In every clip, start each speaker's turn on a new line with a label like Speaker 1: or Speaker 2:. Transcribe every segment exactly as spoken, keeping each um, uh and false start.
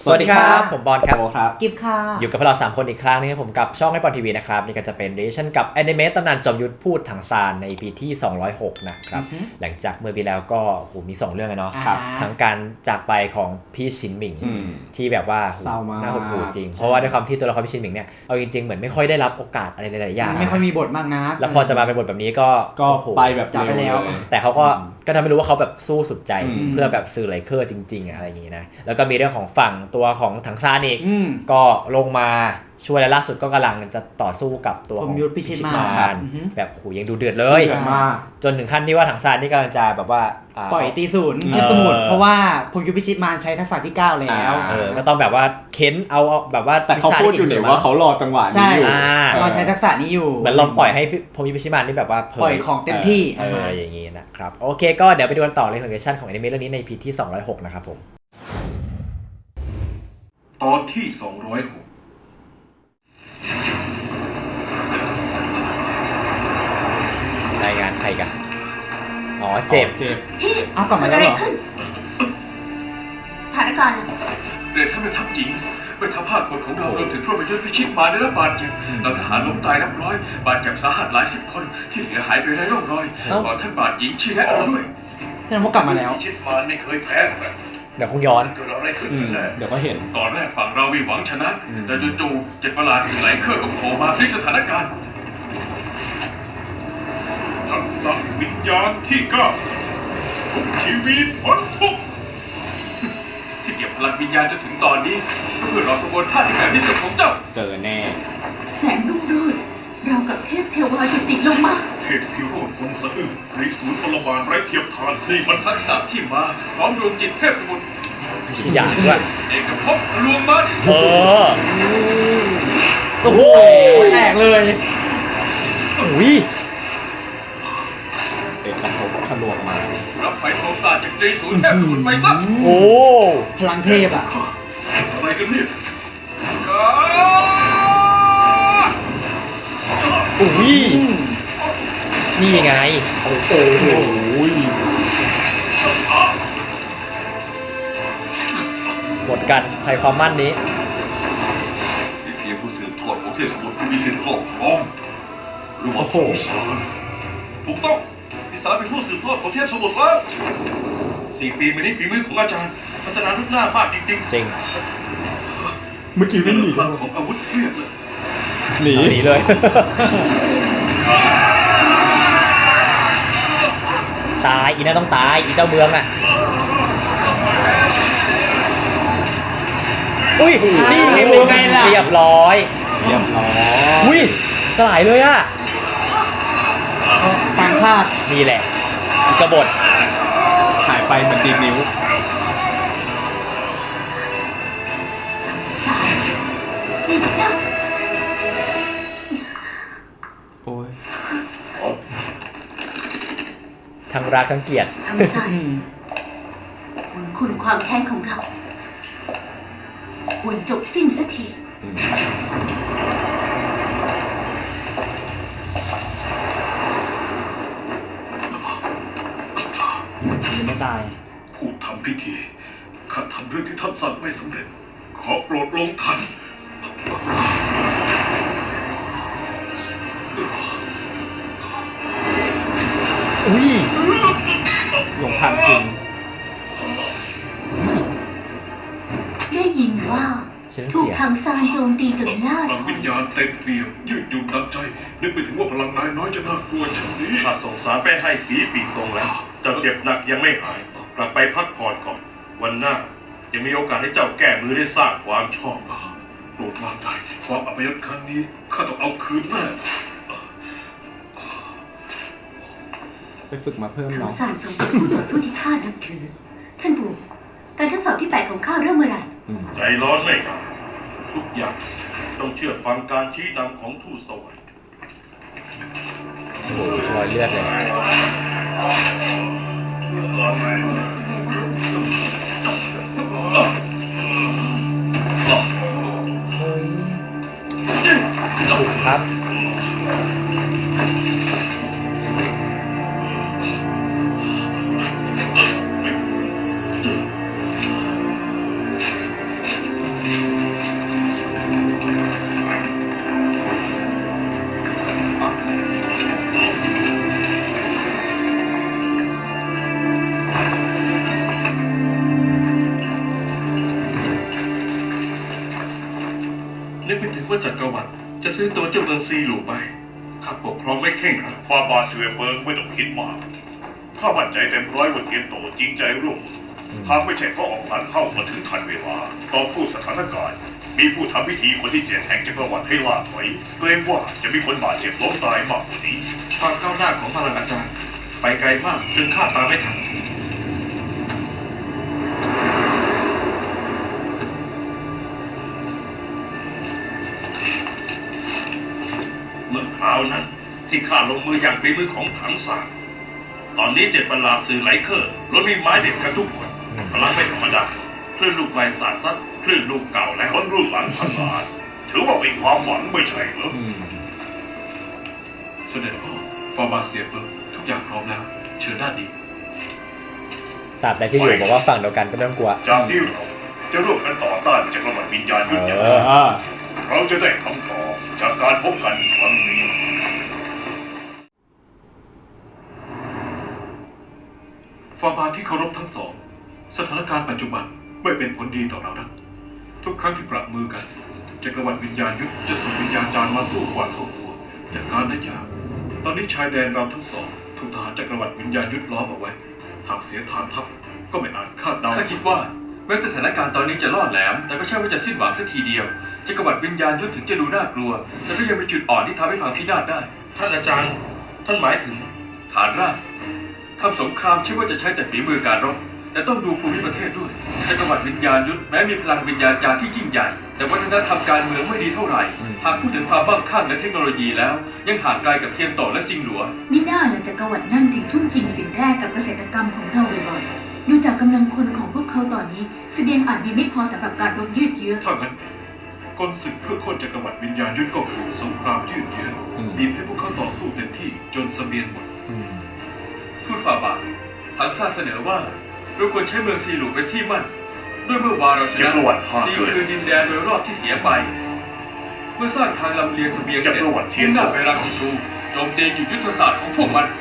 Speaker 1: สวัสดีครับผมบอลครับ
Speaker 2: กิฟค่ะ
Speaker 1: อยู่กับพวกเราสามคนอีกครั้งนึงผมกับช่องให้บอลทีวีนะครับนี่ก็จะเป็นเรชั่นกับแอนิเมตตำนานจอมยุทธพูดถังซานในปีที่สองร้อยหกนะครับหลังจากเมื่อปีแล้วก็โหมีสองเรื่องเนาะทั้งการจากไปของพี่ชินหมิงที่แบบว่าน่าหดหู่จริงเพราะว่าด้วยความที่ตัวละครพี่ชินหมิงเนี่ยเอาจริงๆเหมือนไม่ค่อยได้รับโอกาสอะไรหลายๆอย่าง
Speaker 2: ไม่ค่อยมีบทมากนะ
Speaker 1: แล้วพอจะมาเป็นบทแบบนี้ก็
Speaker 3: ก็ไปแบบ
Speaker 2: จับไปแล้ว
Speaker 1: แต่เขาก็ก็ทำให้รู้ว่าเขาแบบสู้สุดใจเพื่อแบบสื่อไลเคอร์จริงๆอะไรอย่างงี้นะแล้วก็มีเรื่องของฝั่งตัวของถังซานอีกก็ลงมาช่วยและล่าสุดก็กำลังจะต่อสู้กับตัวของ
Speaker 2: พิชิตมาร
Speaker 1: แบบโหยังดูเดือดเลยจนถึงขั้นที่ว่าถังซานนี่กำลังจะแบบว่า
Speaker 2: ปล่อยตีศูนย์เทพสมุทรเพราะว่าพงยุทธพิชิตมารใช้ทักษะที่เก้าแล้ว
Speaker 1: เออก็ต้องแบบว่าเค้นเอาแบบว่า
Speaker 3: แต่เขาพูดอยู่เนี่ยว่าเขารอจังหวะนี้อยู่
Speaker 2: รอใช้ทักษะนี้อยู่
Speaker 1: เหมือนเราปล่อยให้พงยุทธพิชิตมารนี่แบบว่า
Speaker 2: ปล่อยของเต็มที่
Speaker 1: เอออย่างงี้นะครับโอเคก็เดี๋ยวไปดูกันต่อเลยของเรชั่นของแอนิเมะเรื่องนี้ใน พี ที่สองร้อยหกนะครับผม
Speaker 4: ตอนที่สองร้อยหก
Speaker 1: รายงานใครกันอ๋อเจ็บ
Speaker 3: เจ็บ
Speaker 2: เอากลับมาแล้วเหรอ
Speaker 5: สถานการณ์
Speaker 4: เรือท่านแม่ทัพหญิงแม่ทัพภาคคนของเรารวมถึงพวกประยุทธ์พิชิตมาได้รับบาดเจ็บเราทหารล้มตายนับร้อยบาดเจ็บสาหัสหลายสิบคนที่เหลือหายไปไร้ร่องรอยขอท่านบาดหญิงชี้แนะเราด้วย
Speaker 2: แสดงว่ากลับมาแล้ว
Speaker 4: พิชิตมาไม่เคยแพ้
Speaker 1: เดี๋ยวคงย้อน
Speaker 4: เกิดอะไรขึ้น
Speaker 3: เดี๋ยวก็เห็น
Speaker 4: ตอนแรกฝั่งเราหวังชนะแต่จู่ๆเจ็ดประหลาดสิ่งไหลเครื่องกับโผล่มาพลิกสถานการณ์ทักษะวิญญาณที่เก้าทุกชีวิตพ้นทุกที่เก็บพลังวิญญาณจนถึงตอนนี้เพื่อรอกระบวนท่าที่แข็งที่สุดของเจ้า
Speaker 3: เจอแน่
Speaker 5: แสงรุ่งโรจน์เรากับเทพเทวาจุติลงมา
Speaker 4: เทพพิโรธคนสะอื้นริสูรพลบาลไร้เทียมทานนี่มันทักษะที่มาพร้อมดวงจิตเทพสมุทร
Speaker 1: จิตหยาบด้วย
Speaker 4: เอกภพลวงมัน
Speaker 1: เออโอ้โห
Speaker 2: แตกเลย
Speaker 1: อุ้ย
Speaker 3: เอกภพทะลวงมา
Speaker 4: รับไฟโทสาจากริสูรเทพสมุทรไปซะ
Speaker 1: โอ้
Speaker 2: พลังเทพอ่ะ
Speaker 4: อะไรกันเนี่ย
Speaker 1: อุ้ยนี่ไงโอ้โหหมดกันใครความมั่นนี้
Speaker 4: เพียงผู้สืบทอดของเทพสมุทรผู้มีสิทธิ์ครอบครองหรือว่าพิสารถูกต้องพิสารเป็นผู้สืบทอดของเทพสมุทรแล้วสี่ปีมานี้ฝีมือของอาจารย์พัฒนาลุกหน้ามากจริงๆ
Speaker 1: จริง
Speaker 3: เมื่อกี้วิ่งหนี
Speaker 4: ของอาวุธเทพ
Speaker 1: หนีหนีเลยตายอีน่าต้องตายอีเจ้าเมืองอ่ะอุ้ยนี่ไงเป็นไงล่ะเรียบร้อย
Speaker 3: เรียบร้อย
Speaker 1: อุ้ยสลายเลยอ่ะ
Speaker 2: ต่างคาด
Speaker 1: นี่แหละกบฏ
Speaker 3: หายไปเหมือนดีนิ้ว
Speaker 5: สายนี่เจ้า
Speaker 3: โอ้ย
Speaker 1: ทั้งรักทั้งเกลียด
Speaker 5: ทั้งสายบุญคุณความแค้นของเราควรจบสิ้นสักที
Speaker 2: ยังไม่ตาย
Speaker 4: ผู้ทำพิธีข้าทำเรื่องที่ท่านสั่งไม่สำเร็จขอโปรดลงทัน
Speaker 1: อุ้ย
Speaker 3: ลงทันจริง
Speaker 5: ได้ยินว่าถูกทางซานโจมตีจนล่าถอย
Speaker 4: วิญญาณเต็มเปี่ยมยืดหยุ่นดังใจนึกไปถึงว่าพลังนายน้อยจะน่ากลัวเช่นนี้ข้าส่งสารไปให้ผีปีกตรงแล้วเจ้าเจ็บหนักยังไม่หายกลับไปพักผ่อนก่อนวันหน้าจะมีโอกาสให้เจ้าแก้มือได้สร้างความชอบโปรดวางใจความอัปยศครั้งนี้ข้าต้องเอาคืนแน่
Speaker 3: ไปฝึกมาเพิ่ม
Speaker 5: เนาะ
Speaker 3: ทาง
Speaker 5: ซานทรงเป็นผู้ต่อสู้ที่ข้านับถือท่านปู่การทดสอบที่แปดของข้าเริ่มเมื่อไหร่
Speaker 4: ใจร้อนไม่ได้ทุกอย่างต้องเชื่อฟังการชี้นำของทูตสวรรค์
Speaker 1: รอยเลือดเลยครับ
Speaker 4: จักรวรรดิจะซื้อตัวเจ้าเมืองซีหลูไปข้าปกครองไม่เข่งครับ
Speaker 6: ฟาบาเซเบิร์กไม่ต้องคิดมากข้ามั่นใจเต็มร้อยว่าเทียนโตจริงใจร่วมมือหากไม่ใช่เพราะออกหลังเข้ามาถึงทันเวลาตอนผู้สถานการณ์มีผู้ทำพิธีคนที่เจ็ดแห่งจักรวรรดิให้ล่าถอยเกรงว่าจะมีคนบาดเจ็บล้มตายมากกว่านี้
Speaker 4: ความก้าวหน้าของพลังอาจารย์ไปไกลมากจนข้าตามไม่ทันเมื่อคราวนั้นที่ข้าลงมืออย่างฝีมือของถังสารตอนนี้เจ็ดบรรลาสื่อไหลเคอร์ล้วนมีไม้เด็ดกันทุกคนพลังไม่ธรรมดาคลื่นลูกใหม่สาดซัดคลื่นลูกเก่าแล้ว
Speaker 6: คนรุ่นหลังพันลาดถือว่าเป็นความหวังไม่ใช่เหรอ
Speaker 4: เสด็จพ่อฟอร์บาเซียเปิร์ทุกอย่างพร้อมแล้วเชิญด้านนี้
Speaker 1: ตราบใดที่อยู่บอกว่าฝั่งเดียวกันก็ไม่ต้องกลัว
Speaker 6: จากนี้เราจะร่วมกันต่อต้านจักรวรรดิวิญญาณยุทธ
Speaker 1: เอ
Speaker 6: ยา
Speaker 1: อ
Speaker 6: เราจะได้คำตอบจากการพบกันครั้งนี้
Speaker 4: ฟอร์บาที่เคารพทั้งสองสถานการณ์ปัจจุบันไม่เป็นผลดีต่อเรานะทุกครั้งที่ปรับมือกันจักรวรรดิวิญญาณยุทธจะส่งวิญญาณจารย์มาสู้กว่าเท่าตัวจากการได้ยากตอนนี้ชายแดนเราทั้งสองถูกทหารจักรวรรดิวิญญาณยุทธล้อมเอาไว้หากเสียฐานทัพก็ไม่อาจคาดเดา
Speaker 7: ข้าคิดว่าแม้สถานการณ์ตอนนี้จะล่อแหลมแต่ก็ใช่ว่าจะสิ้นหวังสักทีเดียวจักรวรรดิวิญญาณยุทธถึงจะดูน่ากลัวแต่ก็ยังมีจุดอ่อนที่ทำให้พังพินาศได้
Speaker 4: ท่านอาจารย์ท่านหมายถึง
Speaker 7: ฐานรากทำสงครามใช่ว่าจะใช้แต่ฝีมือการรบแต่ต้องดูภูมิประเทศด้วยจักรวรรดิวิญญาณยุทธแม้มีพลังวิญญาณจารย์ที่ยิ่งใหญ่แต่วัฒนธรรมการเมืองไม่ดีเท่าไหร่หากพูดถึงความบ้างคั่งและเทคโนโลยีแล้วยังห่างไกลกับเทียนโตและซิงหลัว
Speaker 5: มิน่าและจักรวรรดินั่นถึงทุ่นจริงสิ่งแรกกับเกษตรกรรมของเราบ่อยๆดูจากกำลังคนของพวกเขาตอนนี้เสบียงอาจมีไม่พอสำหรับการรบยืดเยื้อ
Speaker 4: ถ้างั้นกลศึกเพื่อโค่นจักรวรรดิวิญญาณยุทธก็คือสงครามยืดเยื้อบีบให้พวกเขาต่อสู้เต็มที่จนเสบียงหมด
Speaker 7: ทูตฝ่าบาทถังซาเสนอว่าเราควรใช้เมืองซีหลูเป็นที่มั่นด้วยเมื่อวานเราช
Speaker 6: จั
Speaker 7: นะ
Speaker 6: กรวรรดิห้า
Speaker 7: ซี
Speaker 6: เกิด
Speaker 7: คือดินแดนโดยรอบที่เสียไป เมื่อสร้างทางลำเลียงเสบียงเสร็จ
Speaker 6: จักรวรรดิเทียน
Speaker 7: มุ่งหน้าไปรังศัตรูโจมตีจุดยุทธศาสตร์ของพวกมัน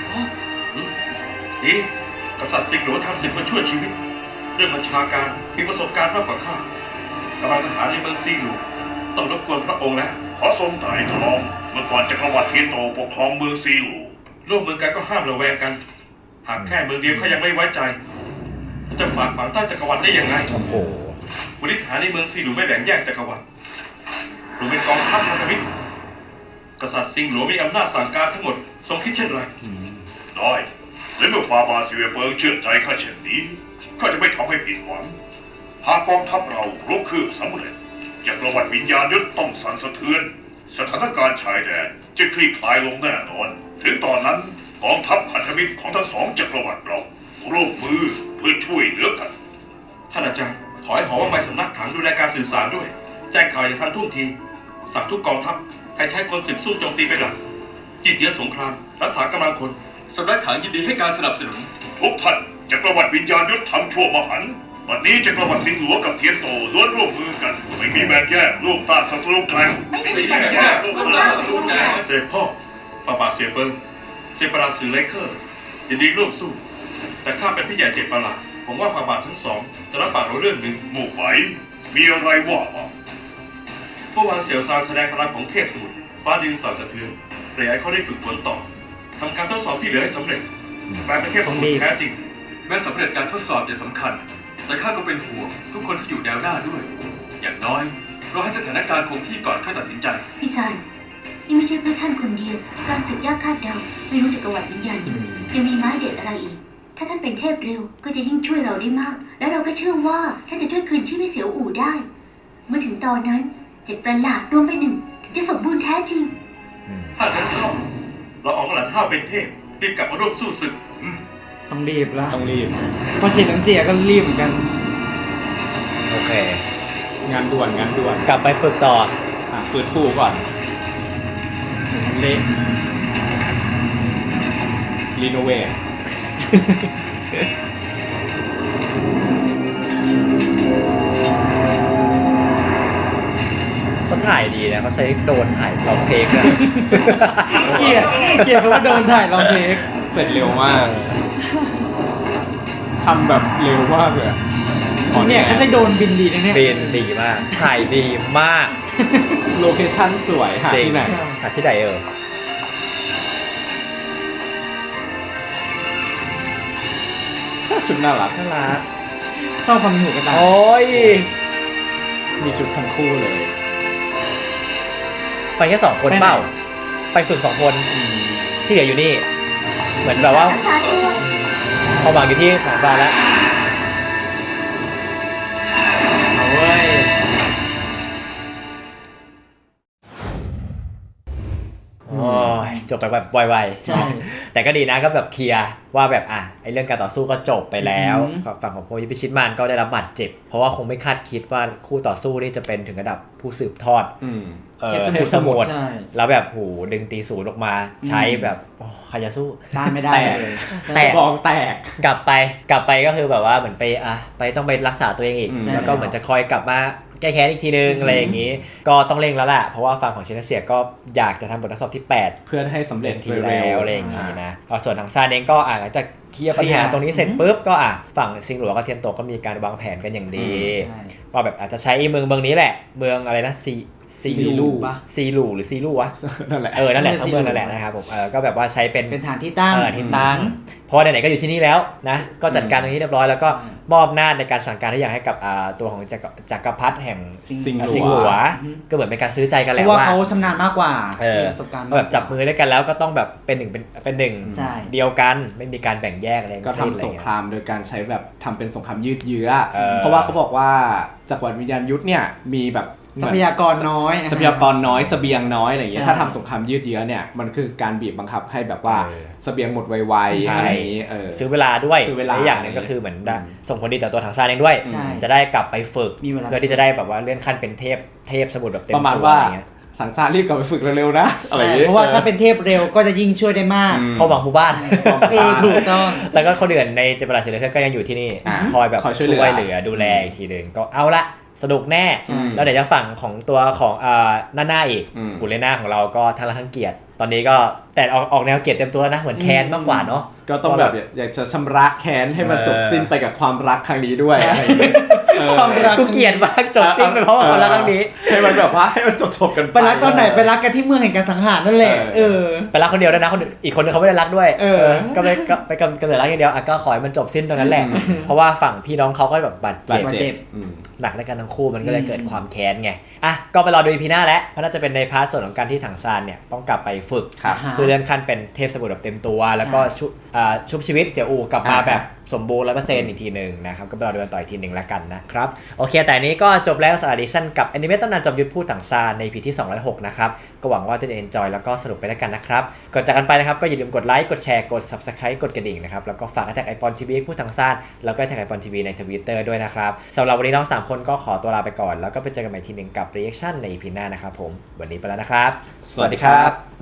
Speaker 4: นี่กษัตริย์สิงห์หลวงทำศึกมาช่วยชีวิตเรื่องบัญชาการมีประสบการณ์มากกว่าข้ากำลังทหารในเมืองซีหลูต้องรบกวนพระองค์แล้ว
Speaker 6: ขอทรงไถ่ทองเมื่อก่อนจักรวรรดิเทียนโตปกครองเมืองซีหลู
Speaker 4: ร่วมมือกันก็ห้ามระแวงกัน หากแค่เมืองเดียวเขายังไม่ไว้ใจจะฝากฝังใต้จักรวรรดิได้ยังไง
Speaker 1: โอ้โห
Speaker 4: บริหารในเมืองซีหลูไม่แบ่งแยกจักรวรรดิรวมเป็นกองทัพพันธมิตรกษัตริย์สิงห์หลวงมีอำนาจสั่งการทั้งหมดทรงคิดเช่นไร
Speaker 6: ได้และเมื่อฟาบาซิเวเปิงเชื่อใจข้าเช่นนี้ข้าจะไม่ทำให้ผิดหวังหากกองทัพเราลุกคืบสำเร็จจักรวรรดิวิญญาณยุทธต้องสั่นสะเทือนสถานการณ์ชายแดนจะคลี่คลายลงแน่นอน ถึงตอนนั้นกองทัพพันธมิตรของทั้งสองจักรวรรดิเราร่วมมือเพื่อช่วยเหลือกัน
Speaker 4: ท่านอาจารย์ขอให้หอว่าใบสำนักถังดูแลการสื่อสารด้วย แจ้งข่าวอย่างทันท่วงทีสั่งทุกกองทัพให้ใช้กลศึกสู้โจมตีเป็นหลักยืดเยื้อสงครามรักษากำลังคน
Speaker 7: สำนักถังยินดีให้การสนับสนุน
Speaker 6: ทุกท่านจักรวรรดิวิญญาณยุทธทำชั่วมหันต์วันนี้จักรวรรดิสิงห์หลวงกับเทียนโตล้วนร่วมมือกัน ไม่มีแบ่งแยกร่วมต้านศัตรูแกร่ง
Speaker 5: ไม่มีปัญหาพวกเราสู้นะ
Speaker 4: เสด็จพ่อฟาบาเซียเบิงเจปาราสื่อไลเคอร์ยินดีร่วมสู้ แต่ข้าเป็นพี่ใหญ่เจ็ดประหลาดผมว่าฟาบาทั้งสองจะรับปากเราเรื่องหนึ่ง
Speaker 6: หมู่ไหวมีอะไรว่ามา
Speaker 4: เมื่อวานเสี่ยวซานแสดงพลังของเทพสมุทรฟ้าดินสั่นสะเทือนเปลี่ยนให้เขาได้ฝึกฝนต่อทำการทดสอบที่เหลือให้สำเร็จกลายเป็นเทพสมุทรแท้จริง
Speaker 7: แม้สำเร็จการทดสอบจะสำคัญ แต่ข้าก็เป็นห่วงทุกคนที่อยู่แนวหน้าด้วย อย่างน้อยเราให้สถานการณ์คงที่ก่อนข้าตัดสินใจ
Speaker 5: พี่ซานนี่ไม่ใช่เพื่อท่านคนเดียว การศึกยากคาดเดาไม่รู้จักรวรรดิวิญญาณยุทธยังมีไม้เด็ดอะไรอีก ถ้าท่านเป็นเทพเร็วก็จะยิ่งช่วยเราได้มาก และเราก็เชื่อว่าท่านจะช่วยคืนชีพให้เสียวอู่ได้ เมื่อถึงตอนนั้นเจ็ดประหลาดรวมเป็นหนึ่งถึงจะสมบูรณ์แท้จริง
Speaker 4: ถ้างั้นเข้าเราออกหลันห้าวเป็นเทพรีบกลับมาร่วมสู้ศึก
Speaker 2: ต้องรีบแล้ว
Speaker 3: ต้องรีบ
Speaker 2: พอฉีดน้ำเสียก็รีบเหมือนกัน
Speaker 1: โอเค
Speaker 3: งานด่วนงานด่วน
Speaker 1: กลับไปฝึกต่อ
Speaker 3: อ่ะฟื้นฟูก่อนเละรีโนเวท
Speaker 1: เขาถ่ายดีนะเขาใช้โดรนถ่ายลองเทคนะ
Speaker 2: เกลียดเกลียดเพราะว่าโดนถ่ายลองเทค
Speaker 3: เสร็จเร็วมากทำแบบเร็วมากเลยอะ
Speaker 2: เนี่ยเขาใช้โดรนบินดีนะเนี่ย
Speaker 1: บินดีมากถ่ายดีมาก
Speaker 3: โลเคชั่นสวยหา
Speaker 1: จริง
Speaker 3: ที่ไหน
Speaker 1: หาที่ไหนเออ
Speaker 3: ชุดน่ารัก
Speaker 1: น่ารัก
Speaker 2: ชอบความมีหูกระต่าย
Speaker 1: โอ้ย
Speaker 3: มีชุดทั้งคู่เลย
Speaker 1: ไปแค่สองคนเปล่าไปฝึกสองคนที่เหลืออยู่นี่ เหมือนแบบว่า
Speaker 5: รักษาตัว
Speaker 1: ความหวังอยู่ที่ถังซานแล้ว
Speaker 2: เอาเว้ย
Speaker 1: โอ้ยจบไปแบบไวๆ
Speaker 2: ใช่
Speaker 1: แต่ก็ดีนะก็แบบเคลียร์ว่าแบบอ่ะไอ้เรื่องการต่อสู้ก็จบไปแล้ว
Speaker 2: อือหือ
Speaker 1: ฝั่งของโพยิพิชิตมานก็ได้รับบาดเจ็บ เพราะว่าคงไม่คาดคิดว่าคู่ต่อสู้นี่จะเป็นถึงระดับผู้สืบทอด
Speaker 3: อืม
Speaker 1: เอ่อ
Speaker 2: เทพสมุทร
Speaker 1: เทพสมุทร
Speaker 2: ใช่
Speaker 1: แล้วแบบโหดึงตีศูนย์ออกมาใช้แบบโอ้ใครจะสู้
Speaker 2: ต้านไม่ได้
Speaker 3: แตก
Speaker 2: เลย
Speaker 1: แตก
Speaker 3: บองแตก
Speaker 1: กลับไปกลับไปก็คือแบบว่าเหมือนไปอ่ะไปต้องไปรักษาตัวเองอีก
Speaker 3: อืม
Speaker 1: แล้วก็เหมือนจะคอยกลับมาแก้แค้นอีกทีนึงอะไรอย่างนี้ ก็ต้องเร่งแล้วแหละเพราะว่าฝั่งของชินเซียก็อยากจะทำบททดสอบที่แปด
Speaker 3: เพื่อให้สำเร็จ
Speaker 1: ที
Speaker 3: โดย
Speaker 1: แล้
Speaker 3: เร็
Speaker 1: ว
Speaker 3: ว
Speaker 1: อะไรอย่างนี้นะเอาส่วนทางซานเองก็อ่ะหลังจากเคลียร์ปัญหาตรงนี้เสร็จปุ๊บก็อ่ะฝั่งซิงหลัวกับเทียนโตก็มีการวางแผนกันอย่างดี
Speaker 2: ใช่
Speaker 1: ว่าแบบอาจจะใช้เมืองเมืองนี้แหละ เมืองอะไรนะซีซี
Speaker 3: ซีลู
Speaker 2: ปะ
Speaker 1: ซีลูหรือซีลูวะ
Speaker 3: นั่นแหละ
Speaker 1: เออนั่นแหละ
Speaker 2: เออ
Speaker 1: ทั้งเมือง
Speaker 2: ซีลู
Speaker 1: นั่นแหละนะครับผมเออก็แบบว่าใช้เป็น
Speaker 2: เป็นฐานที่ตั้ง
Speaker 1: เออที่ตั้งเพราะว่าไหนๆก็อยู่ที่นี่แล้วนะก็จัดการตรงนี้เรียบร้อยแล้วก็มอบหน้าในการสั่งการทุกอย่างให้กับอ่าตัวของจักรจักรพรรดิแห่ง
Speaker 3: ซิงหลัว
Speaker 1: ซิงหลัวก็เหมือนเป็นการซื้อใจกัน
Speaker 2: เพ
Speaker 1: แหละ
Speaker 2: ราะว่า
Speaker 1: ว่า
Speaker 2: เขาชำนาญมากกว่า
Speaker 1: เออ
Speaker 2: มีประสบการณ์
Speaker 1: ก็แบบจับมือด้วยกันแล้วก็ต้องแบบเป็นหนึ่งเป็นเป็นหนึ่ง
Speaker 2: ใช่
Speaker 1: เดียวกันไม่มีการแบ่งแยกอะไร
Speaker 3: ก็
Speaker 1: ทั้
Speaker 3: ทำ
Speaker 1: งสิ้นอะไร
Speaker 3: สง
Speaker 1: เงี้
Speaker 3: ค
Speaker 1: ย
Speaker 3: รามโดยการใช้แบบทำเป็นสงครามยืดเยื้อ
Speaker 1: เออ
Speaker 3: เพราะว่าเขาบอกว่าจักรวรรดิวิญญาณยุทธเนี่ยมีแบบ
Speaker 2: ทรัพยากรน้อย
Speaker 3: ทรัพยากรน้อยเสบียงน้อยอะไรอย่างเงี้ย
Speaker 2: ใช่
Speaker 3: ถ้าทำสงครามยืดเยื้อเนี่ยมันคือการบีบบังคับให้แบบว่า
Speaker 1: เออ
Speaker 3: เสบียงหมดไวๆ
Speaker 1: ใช่
Speaker 3: อะไรอย่างงี้เออ
Speaker 1: ซื้อเวลาด้วย
Speaker 3: ซื้อเวลา
Speaker 1: และอย่างหนึ่งก็คือเหมือนได้
Speaker 3: อืม
Speaker 1: ส่งผลดีต่อตัวถังซานเองด้วย
Speaker 2: ใช่
Speaker 1: จะได้กลับไปฝึก
Speaker 2: มีเวลา
Speaker 1: เพื่อที่จะได้แบบว่าเลื่อนขั้นเป็นเทพเทพสมุทรแบบเต็ม
Speaker 3: ประมาณ
Speaker 1: ตัว
Speaker 3: ว่า
Speaker 1: อะไรเงี้ย
Speaker 3: สังสารรีบกลับไปฝึกเร็วๆนะอะไรอย่างงี้
Speaker 2: เพราะว่าถ้าเป็นเทพเร็วก็จะยิ่งช่วยได้มาก
Speaker 3: อืม
Speaker 1: เข้าหวังผู้บ้าน
Speaker 2: เออถูกต้อง
Speaker 1: แล้วก็คนอื่นในเจเปราศิลป์ก็ยังอยู่ที่นี่
Speaker 3: อ่า
Speaker 1: คอยแบบ
Speaker 3: คอยช่
Speaker 1: ช่
Speaker 3: วยเหลือ
Speaker 1: วยเหลือดูแลอีกทีหนึ่งก็เอาละสนุกแน่
Speaker 2: ใช่
Speaker 1: แล้วเดี๋ยวจะฝั่งของตัวของอ่าหน้าหน้าอีก
Speaker 3: อืม
Speaker 1: อุเลน่าของเราก็ทั้งรักทั้งเกียรติตอนนี้ก็แต่ออกออกแนวเกียรติเต็มตัวแล้วนะเหมือนแคนมากกว่าเนาะ
Speaker 3: ก็ต้องแบบอยากจะชำระแค้นให้มัน
Speaker 1: เออ
Speaker 3: จบสิ้นไปกับความรักครั้งนี้ด้วยอะไรอย่างงี้เออ
Speaker 2: ความรัก
Speaker 1: กูเกลียดมากจบสิ้นไปเพราะว่าความรักครั้งนี้
Speaker 3: ให้มันแบบว่าให้มันจบๆกันไป
Speaker 2: ไปรักตอนไหนไปรักกันที่เมืองแห่งการสังหารนั่นแหละ
Speaker 3: เอ
Speaker 2: เอ
Speaker 3: อ
Speaker 2: อ
Speaker 1: ไปรักคนเดียวด้วยนะคนอื่นอีกคนนึงเขาไม่ได้รักด้วย
Speaker 2: เออ
Speaker 1: ก็ไปก็ไปกำกำเนิดรักอย่างเดียวอ่ะก็ขอให้มันจบสิ้นตรงนั้นแหละ เพราะว่าฝั่งพี่น้องเขาก็แบบบาด
Speaker 3: บา
Speaker 1: เจ็
Speaker 3: ด
Speaker 1: บ
Speaker 2: เจ็
Speaker 3: เจ็
Speaker 2: บ
Speaker 3: บอืม
Speaker 1: หนักในกันทั้งคู่มันก็เลยเกิดความแค้นไงอ่ะก็ไปรอดูอีพีหน้าแล้วเพราะน่าจะเป็นในพาร์ทส่วนของการที่ถังซานเนี่ยต้องกลับไปฝึก
Speaker 3: ครับ
Speaker 2: อ่า
Speaker 1: เพื่อเลื่อนขั้นเป็นเทพสมุทรแบบเต็มตัว แล้วก็ชุบอ่าชุบชีวิตเสี่ยวอูกลับมา
Speaker 3: อ่า
Speaker 1: แบบสมบูรณ์ร้อยเปอร์เซ็นต์อีกทีหนึ่งนะครับก็ไปรอดูกันต่ออีกทีหนึ่งแล้วกันนะครับโอเคแต่อันนี้ก็จบแล้วสารดิชั่นกับแอนิเมตตำนานจอมยุทธพูดถังซานใน อี พี ที่สองร้อยหกนะครับก็หวังว่าจะได้ enjoy แล้วก็สนุกไปด้วยกันนะครับก่อนจากกันไปนะครับก็อย่าลืมกดไลค์กดแชร์กด subscribe กดกระดิ่งนะครับแล้วก็ฝากแท็กไอปอนทีวีพูดถังซานแล้วก็แท็กไอปอนทีวีใน Twitter ด้วยนะครับสำหรับวันนี้น้องสามคนก็ขอตัวลาไปก่อนแล้วก็ไปเจอกันใหม่ทีหนึ่งกับ reaction ใน อี พี หน้านะครับผมวันนี้ไปแล้วนะครับ
Speaker 3: สวัสดีครับ